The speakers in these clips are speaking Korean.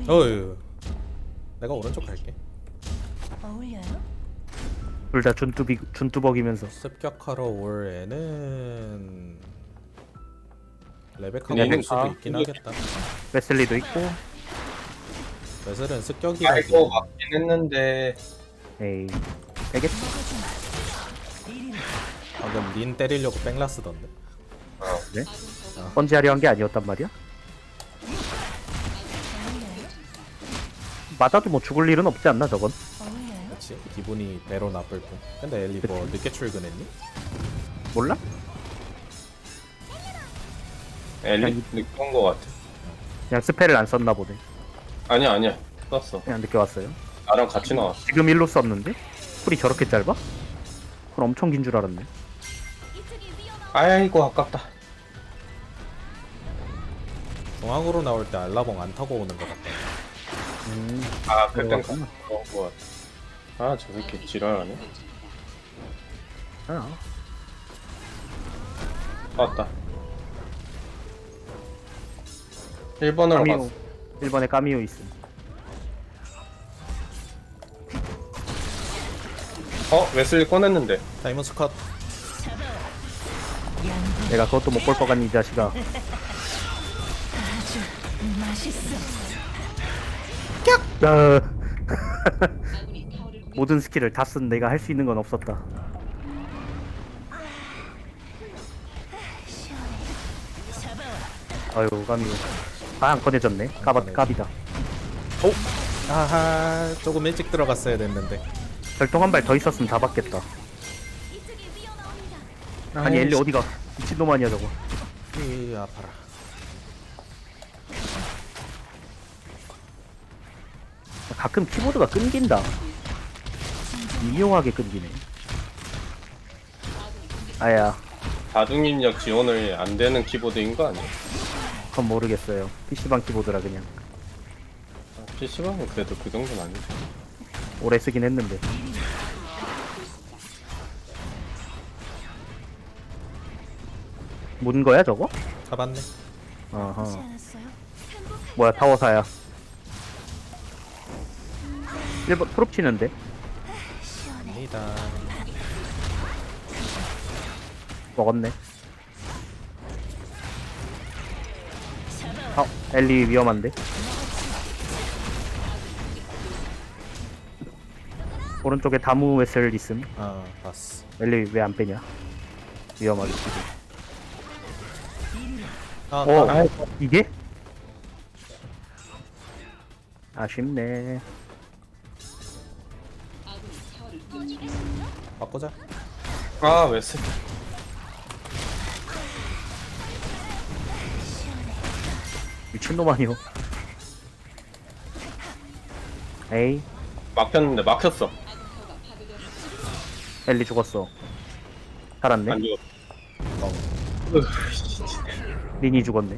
어휴. 내가 오른쪽 갈게. 어울려요? 둘 다 준뚜벅이면서 습격하러 올 애는 레베카가 얘는 올 수도 있긴 하겠다. 웨슬리도 있고. 웨슬은 습격이라서 아이고 맞긴 했는데 에이 되겠다. 방금 린 때리려고 뺑라 쓰던데. 네? 번지하려 한 게 아니었단 말이야? 맞아도 뭐 죽을 일은 없지 않나 저건? 어울려요? 그렇지. 기분이 배로 나쁠 뿐. 근데 엘리 뭐 늦게 출근했니? 몰라? 엘리 늦은 거 같아. 그냥 스펠을 안 썼나 보네. 아니야 썼어. 그냥 늦게 왔어요. 나랑 같이 나왔어. 지금 일로 썼는데? 쿨이 저렇게 짧아? 쿨 엄청 긴 줄 알았네. 아이고 아깝다. 중앙으로 나올 때 알라봉 안 타고 오는 것 같다. 아 그땐 들어갔구나. 그런 거 같아. 아 저 새끼 지랄하네. 아, 맞다. 1번으로 까미오. 갔어. 1번에 까미오 있음. 웨슬리 꺼냈는데. 타이머스 컷. 내가 그것도 못 볼 것 같니 이 자식아. 맛있어. 야. 모든 스킬을 다 쓴 내가 할 수 있는 건 없었다. 아유 까미오. 다 안 꺼내졌네. 까비다. 아하, 조금 일찍 들어갔어야 됐는데. 별똥 한 발 더 있었으면 다 받겠다. 아니 엘리 어디가? 미친놈 아니야 저거. 이 아파라. 가끔 키보드가 끊긴다. 미묘하게 끊기네. 아야, 다중입력 지원을 안 되는 키보드인 거 아니야? 그건 모르겠어요. PC방 키보드라 그냥. PC방은 그래도 그 정도는 아니지. 오래 쓰긴 했는데. 문 거야 저거? 잡았네. 하지 어허. 않았어요? 뭐야 타워사야. 1번 프롭 치는데? 시원해. 아니다. 먹었네. 엘리 위험한데? 오른쪽에 다무 웨슬 있음. 아, 봤어. 엘리 왜 안 빼냐? 위험하게 지금. 아, 어, 이게? 아쉽네. 바꾸자. 아 웨슬리. 미친놈 아니오. 에이, 막혔는데 막혔어. 엘리 죽었어. 살았네. 안 죽었어. 린이 죽었네.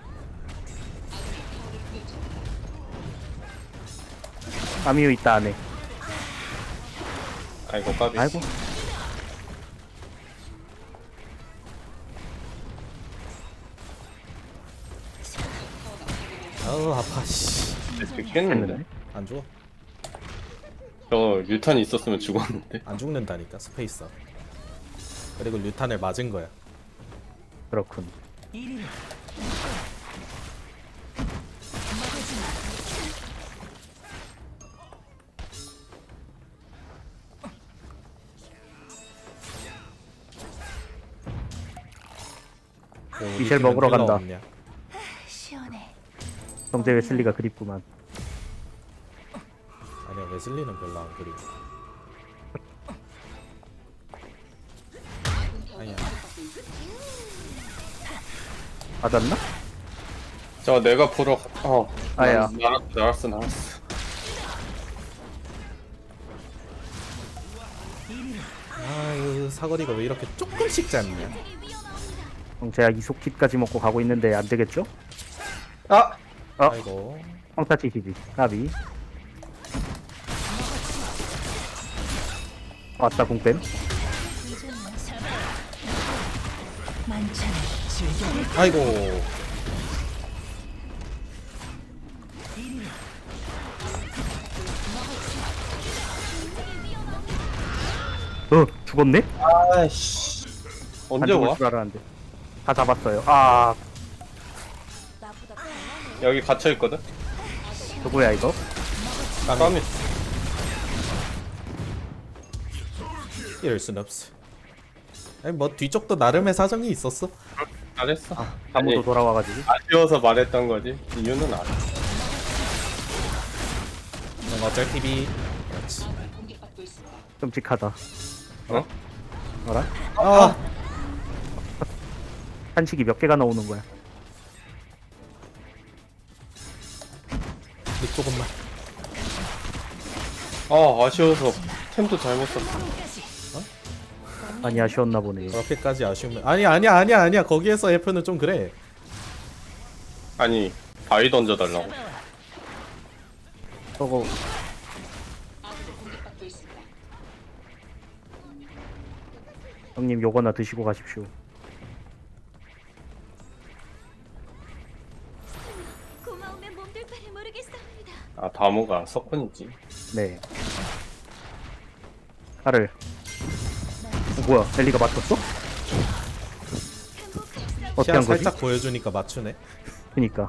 아미유 있다 안에. 아이고 까비. 아이고. 아우, 아파, 씨. 죽겠는데. 했는데. 안 죽어. 저 류탄이 있었으면 죽었는데. 안 죽는다니까, 스페이서. 그리고 류탄을 맞은 거야. 그렇군. 우리 미셸 팀은 먹으러 힐러 간다. 없냐? 시원해. 정재 웨슬리가 그립구만. 아니야, 웨슬리는 별로 안 그리워. 아니야. 맞았나? 저 내가 보러 아야. 나왔어. 아유, 사거리가 왜 이렇게 조금씩 짧냐? 정재야 이속kit까지 먹고 가고 있는데 안 되겠죠? 아 아이고. 황타 치시지. 까비. 왔다 궁뱀. 만찬을 즐겨. 아이고. 죽었네? 아이씨. 안 언제 죽을 와? 줄 알았는데. 다 잡았어요. 아, 여기 갇혀 있거든. 누구야 이거? 까미. 이럴 순 없어. 아니 뭐 뒤쪽도 나름의 사정이 있었어. 잘했어. 아무도 아니, 돌아와가지고. 아쉬워서 말했던 거지. 이유는 알아. 어쩔 TV. 그렇지. 끔찍하다. 어? 알아? 아, 한식이 몇 개가 나오는 거야? 근데 조금만. 아, 아쉬워서 템도 잘못 썼어. 많이 아쉬웠나 보네. 그렇게까지 아쉬우면 아니야. 거기에서 F는 좀 그래. 아니, 바위 던져달라고. 저거 형님 요거나 드시고 가십시오. 고마우면 몸둘 바를 모르겠사옵니다. 아, 다모가 석훈이지. 네. 칼을. 뭐야? 엘리가 맞췄어? 어떻게 시야 한 거지? 살짝 보여주니까 맞추네. 그니까.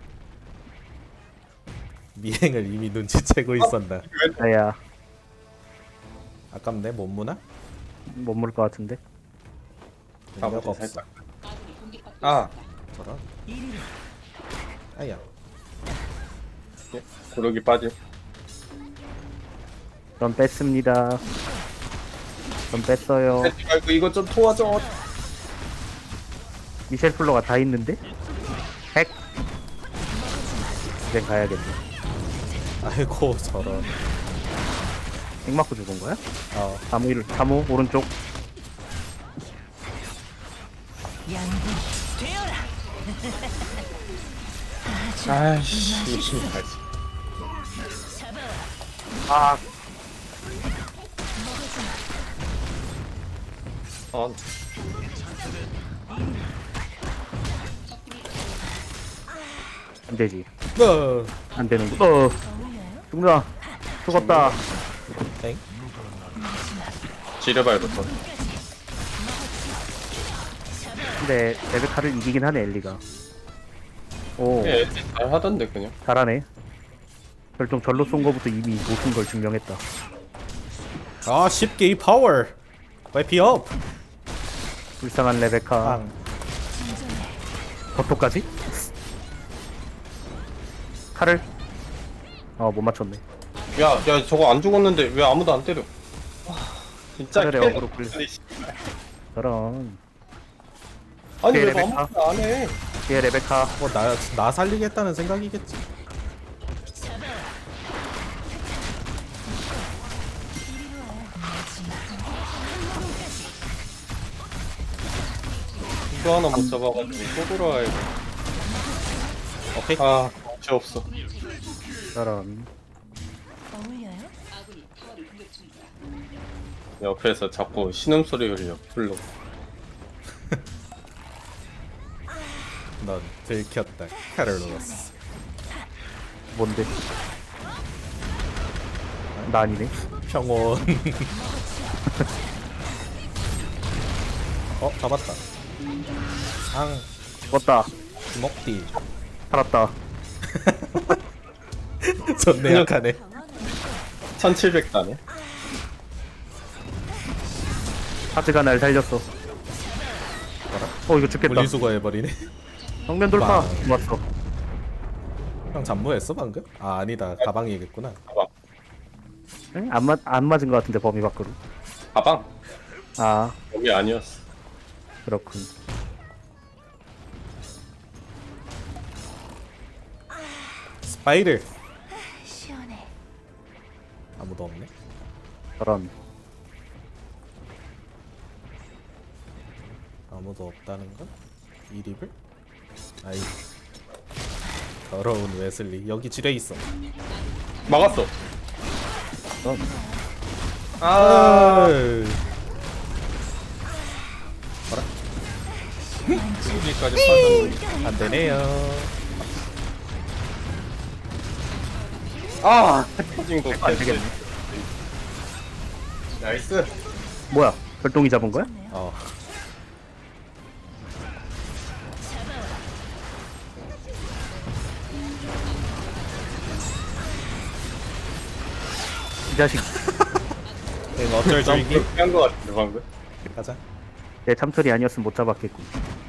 미행을 이미 눈치채고 있었나. 아야, 아깝네 못 무나? 못 물을 것 같은데. 능력 가보자, 없어. 살짝. 아, 저런. 아야. 예, 구르기 빠짐. 전 뺐습니다. 전 뺐어요. 하지 말고 이거 좀 도와줘. 미셸 플로가 다 있는데? 핵! 이제 가야겠네. 아이고 저런. 핵 맞고 죽은 거야? 어. 다무 오른쪽. 양분 되어라. 아이씨, 미친 가지. 아, 아, 안 되지. 안 되는 거. 죽는다. 죽었다. 엥? 지뢰발부터. 근데 레베카를 이기긴 하네 엘리가. 오, 예, 잘 하던데 그냥. 잘하네. 결정 절로 쏜 거부터 이미 못쓴 걸 증명했다. 아 쉽게 이 파워. 와이피 업. 불쌍한 레베카. 빵. 버토까지? 칼을? 못 맞췄네. 야, 저거 안 죽었는데 왜 아무도 안 때려? 와, 진짜 차라리 캐- 어그로 끌려. 아니, 씨. 저런. 아니 왜 레베카. 아무도 안 해? 뒤에 레베카. 뭐나 살리겠다는 생각이겠지. 이거 하나 못 잡아가지고 또 돌아와야 돼. 오케이. 아, 정치 없어. 저런. 어울려요? 옆에서 자꾸 신음소리 흘려 불러. 넌 들켰다. 카를로스. 뭔데? 나 아니네. 평온. 잡았다. 앙. 죽었다. 주먹디. 살았다. 존내 약하네. 1700단에. 하즈가 날 살렸어. 이거 죽겠다. 분리수거 해버리네. 정면 돌파. 와. 좋았어. 형 잠무했어 방금? 아 아니다 가방이겠구나. 가방. 응? 안 맞은 것 같은데 범위 밖으로. 가방. 아, 여기 아니었어. 그렇군. 스파이를. 시원해. 아무도 없네. 저런. 아무도 없다는 건? 이립을? 아이 더러운 웨슬리. 여기 지뢰 있어. 막았어. 저런. 아. 여기까지 빠졌네. 안 되네요. 아, 터진 거. 안 되겠네. 나이스. 뭐야? 별똥이 잡은 거야? 좋네요. 어. 이 자식 이거 어쩔 난 줄기? 그렇게 한거 같은데 방금. 가자. 내 참철이 아니었으면 못 잡았겠군.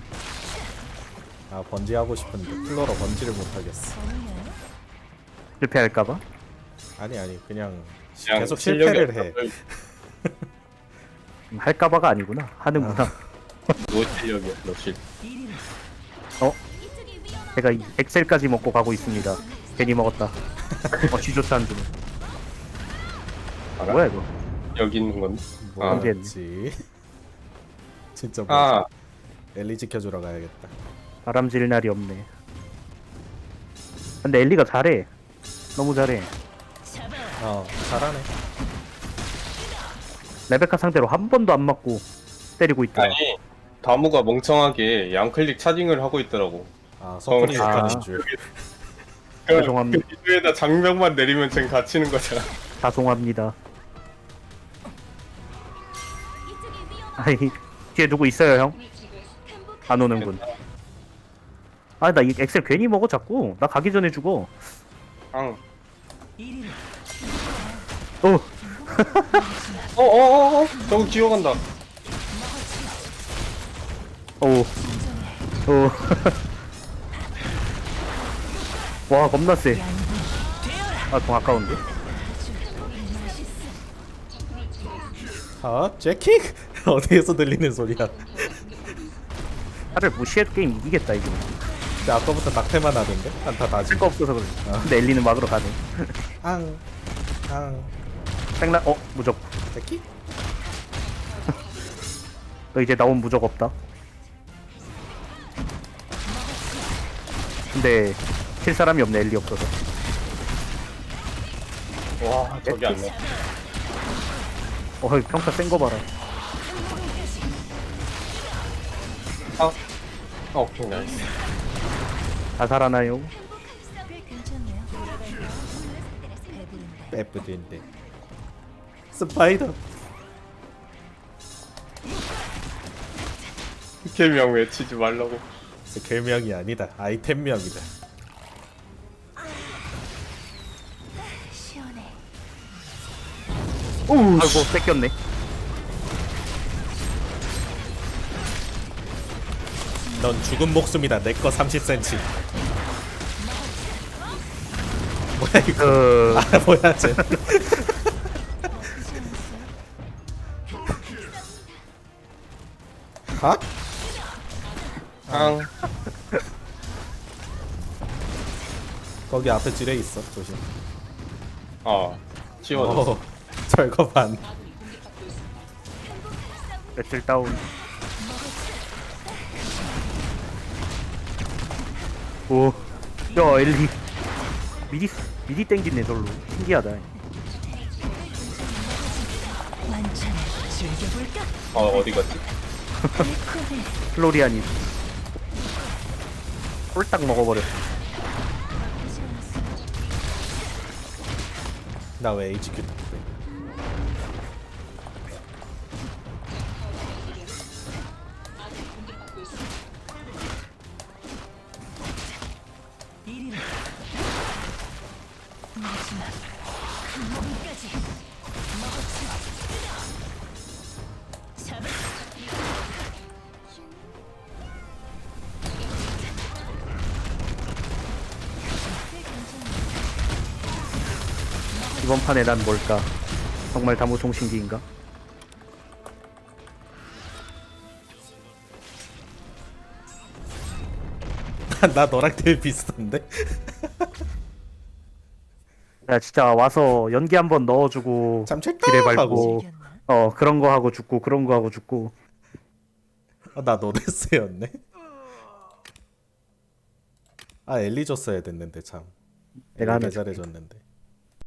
아 번지 하고 싶은데 플로러 번지를 못 하겠어. 어울려요? 실패할까봐? 아니 그냥 그냥 계속 실력이 실패를 해. 없어서 할까봐가 아니구나. 하는구나. 노 실력이야 너 실. 이리로. 어? 이쪽이 위험한. 제가 이 엑셀까지 먹고 가고 있습니다. 괜히 먹었다. 쥐조차 안 주네. 알아? 뭐야 이거? 여기 있는 건데. 아, 뭐였지? 진짜 뭐 아 엘리 지켜주러 가야겠다. 바람질 날이 없네. 근데 엘리가 잘해. 너무 잘해. 어 잘하네. 레베카 상대로 한 번도 안 맞고 때리고 있더라. 아니 다무가 멍청하게 양클릭 차징을 하고 있더라고. 아 서클이 아. 욕하는 줄. 죄송합니다. 그 미드에다 장벽만 내리면 쟨 갇히는 거잖아. 죄송합니다. 이쪽이 위험한. 아이 뒤에 누구 있어요 형? 안 오는군. 아 나 이 엑셀 괜히 먹어 자꾸. 나 가기 전에 죽어. 앙. 이리로. 어 어어어어 저거 기어간다. 오. 오. 와 겁나 세. 아 좀 아까운데? 아 재킥? 어디에서 들리는 소리야? 차를 무시해도 게임 이기겠다 이거. 근데 아까부터 낙태만 하던데? 한타 다지. 쓸 거 없어서 그래. 근데 엘리는 막으러 가네. 앙. 생라 무적. 재킥? 너 이제 나온 무적 없다. 근데 칠 사람이 없네 엘리 없어서. 와 저기 안 나. 평타 센 거 봐라. 아. 오케이 나이스. 다 살아나요? 꽤 괜찮네요. 배부른데. 빼뿌린데. 스파이더. 개명 외치지 말라고. 별명이 아니다. 아이템명이다. 시원해. 아이고 뺏겼네. 넌 죽은 목숨이다. 내 거 30cm. 뭐야 이거? 아 뭐야 쟤? 아? 앙. 거기 앞에 지뢰 있어. 조심. 지워졌어. 어, 철거반. 며칠 다운. 오. 야 엘리. 미리 땡기네 절로. 신기하다. 완전히 즐겨볼까? 어디 갔지? 달콤해. 플로리안이 홀딱 먹어버렸어. 나 왜 HQ 탑 이리로. 마지막 한 모금까지 먹었지. 잡을. 꽤 괜찮네. 이번 판에 난 뭘까? 정말 다무통신기인가? 나 너랑 되게 비슷한데? 야 진짜 와서 연기 한번 넣어주고 참 지뢰 찰떡하고. 밟고 즐겼나? 그런 거 하고 죽고 그런 거 하고 죽고. 나 노데스였네. 아 엘리 줬어야 됐는데 참. 내가 엘리 하나 잘해줬는데.